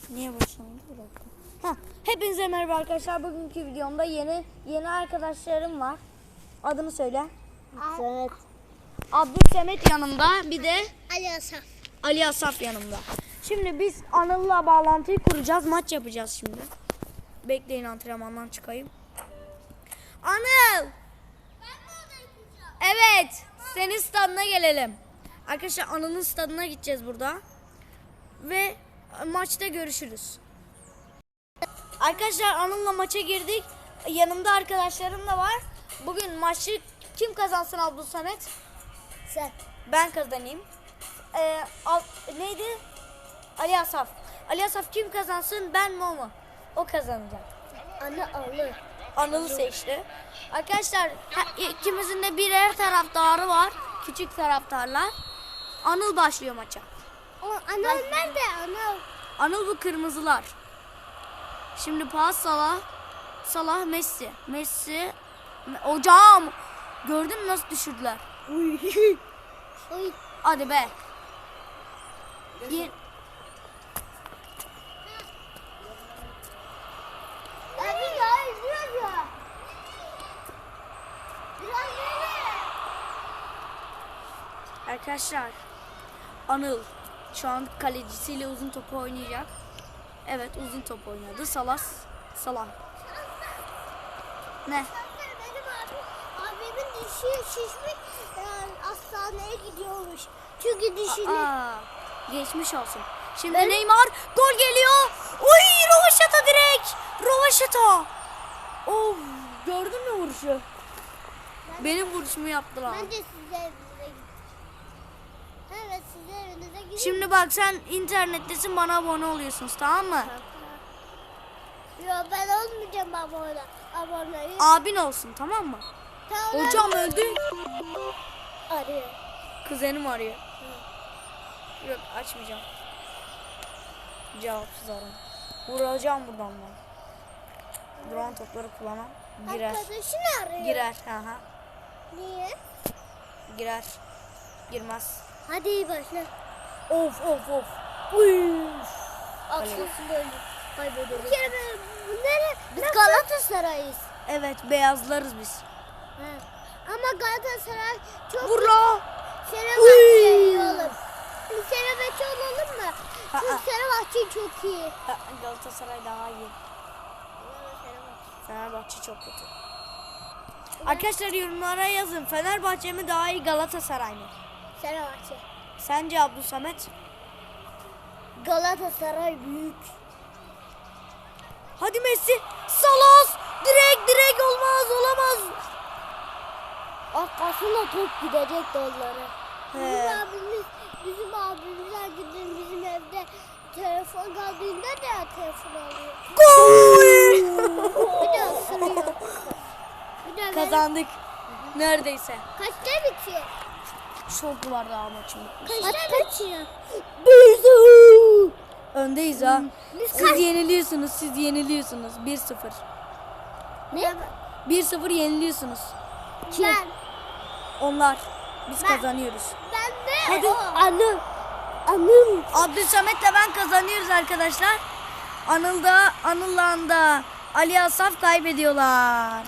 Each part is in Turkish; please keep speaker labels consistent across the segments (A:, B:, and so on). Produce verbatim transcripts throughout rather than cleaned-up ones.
A: Niye başlamadı? Bir dakika. Heh, hepinize merhaba arkadaşlar. Bugünkü videomda yeni yeni arkadaşlarım var. Adını söyle.
B: Evet.
A: Abdülsemet yanımda. Bir de
B: Ali Asaf.
A: Ali Asaf yanımda. Şimdi biz Anıl'la bağlantıyı kuracağız. Maç yapacağız şimdi. Bekleyin, antrenmandan çıkayım. Anıl! Evet. Senin stadına gelelim. Arkadaşlar Anıl'ın stadına gideceğiz burada. Ve maçta görüşürüz. Arkadaşlar Anıl'la maça girdik. Yanımda arkadaşlarım da var. Bugün maçı kim kazansın Abdülsamet?
B: Sen.
A: Ben kazanayım. Ee, al, neydi? Ali Asaf. Ali Asaf kim kazansın? Ben mi o mu? O kazanacak.
B: Anne alır.
A: Anıl'ı seçti. Arkadaşlar ikimizin de birer taraftarı var. Küçük taraftarlar. Anıl başlıyor maça.
B: O Anıl nerede? Anıl.
A: Anıl bu kırmızılar. Şimdi pas Salah. Salah Messi. Messi. Hocam. Gördün mü nasıl düşürdüler?
B: Uy. Uy.
A: Hadi be. Ye-
B: Abi ya izliyor ya. Biraz böyle.
A: Arkadaşlar Anıl şu an kalecisiyle uzun topu oynayacak. Evet, uzun top oynadı. Salah. Salah. Ne?
B: Benim abim, abimin dişi şişmiş, yani hastaneye gidiyormuş. Çünkü dişini...
A: Aa, geçmiş olsun. Şimdi ben... Neymar gol geliyor. Uy, rovaşata direkt. Rovaşata. Oh, gördün mü vuruşu? Ben Benim vuruşumu yaptılar.
B: Ben de size evinize gideceğim. Evet, size evinize gideceğim.
A: Şimdi bak, sen internettesin, bana abone oluyorsunuz, tamam mı?
B: Yok, ben olmayacağım abone. Abone.
A: Abin olsun, tamam mı?
B: Tamam.
A: Hocam öldü.
B: Arıyor.
A: Kuzenim arıyor. Hı. Yok, açmayacağım. Cevapsız arama. Vuracağım buradan ben. Duran topları kullanan girer.
B: Arkadaşını arıyor.
A: Girer. Aha.
B: Niye?
A: Girer. Girmez.
B: Hadi iyi başla.
A: Of of of. Uy.
B: Aksiyonunda öldü. Kaybediyoruz. Bir kere ben bunları... Biz
A: Nasıl?
B: Galatasaray'ız.
A: Evet, beyazlarız biz.
B: He. Ama Galatasaray çok...
A: Vur la.
B: Fenerbahçe iyi olur. Fenerbahçe olalım mı?
A: Aa.
B: Çünkü Fenerbahçe çok iyi.
A: Ha, Galatasaray daha iyi. Fenerbahçe çok kötü. Arkadaşlar yorumlara yazın. Fenerbahçe mi daha iyi, Galatasaray mı?
B: Fenerbahçe.
A: Sence Abdülsamet?
B: Galatasaray büyük.
A: Hadi Messi. Salah. Direkt direkt olmaz, olamaz.
B: Arkasına top gidecek onlara.
A: He.
B: Bizim abimiz, bizim abimizler gidin bizim evde telefon kaldığında da telefon alıyor.
A: Gol.
B: Bir de ısırıyor. Bir de
A: Kazandık. Neredeyse.
B: Kaçta bitiyor?
A: Çok var daha maçın.
B: Kaçta bitiyor?
A: Öndeyiz ha.
B: Biz
A: Siz
B: kaç-
A: yeniliyorsunuz, siz yeniliyorsunuz. bir sıfır.
B: Ne?
A: bir sıfır yeniliyorsunuz.
B: Ben.
A: Onlar. Biz
B: Ben-
A: kazanıyoruz.
B: Ben de.
A: Hadi.
B: Anım. Anım.
A: Abdülsamet'le ben kazanıyoruz arkadaşlar. Anıl'da, Anıl'la da Ali Asaf kaybediyorlar.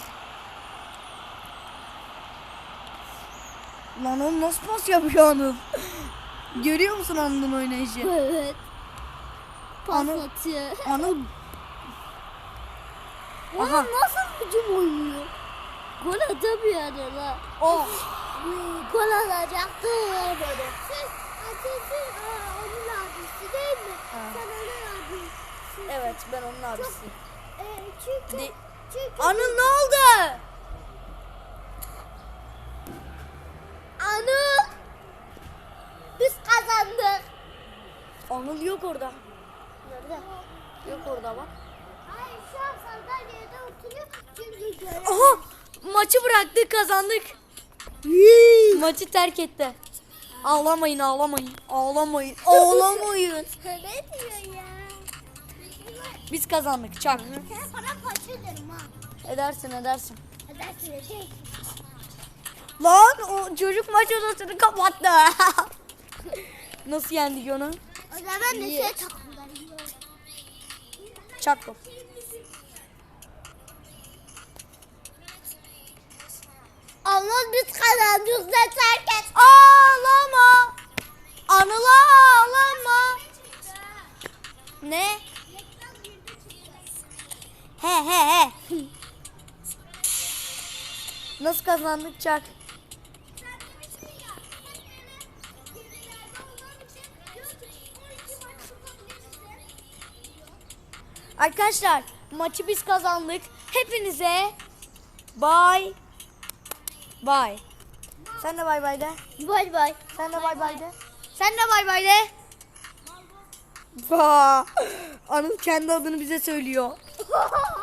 A: Lan o nasıl pas yapıyor Anıl? Görüyor musun Anıl'ın oynayışı?
B: Evet. Pas
A: Anıl.
B: atıyor.
A: Anıl.
B: Aha.
A: Aha.
B: Nasıl hücum oynuyor? Gol atamıyor adamlar.
A: Oh.
B: Gol alacaktı böyle. Siz ateşin onun abisi değil mi?
A: Ha.
B: Sen onun abisi.
A: Evet, ben onun abisiyim.
B: E, çünkü,
A: De-
B: çünkü
A: Anıl ne oldu?
B: Anıl. Biz kazandık.
A: Anıl yok orada.
B: Nerede?
A: Yok orada bak.
B: Hayır, şu an sandalyede oturuyor. Çünkü görev.
A: Aha! Maçı bıraktık, kazandık. Maçı terk etti. Ağlamayın, ağlamayın. Ağlamayın. Ağlamayın.
B: Ne diyor ya?
A: Biz kazandık. Çak.
B: Sen para paça ederim ha.
A: Edersin, edersin.
B: Edersin edersin.
A: Lan o çocuk maç odasını kapattı. Nasıl yendik onu?
B: O zaman da şey takımlarım.
A: Çaktım.
B: Ama biz kazandık da terk et.
A: Ağlama. Anıla ağlama. Ne? He he he. Nasıl kazandık Çak? Arkadaşlar maçı biz kazandık. Hepinize bye bye. Sen de bay bay de.
B: Bay bay.
A: Sen de bay bay de. Sen de bay bay de. Ba. Anıl kendi adını bize söylüyor.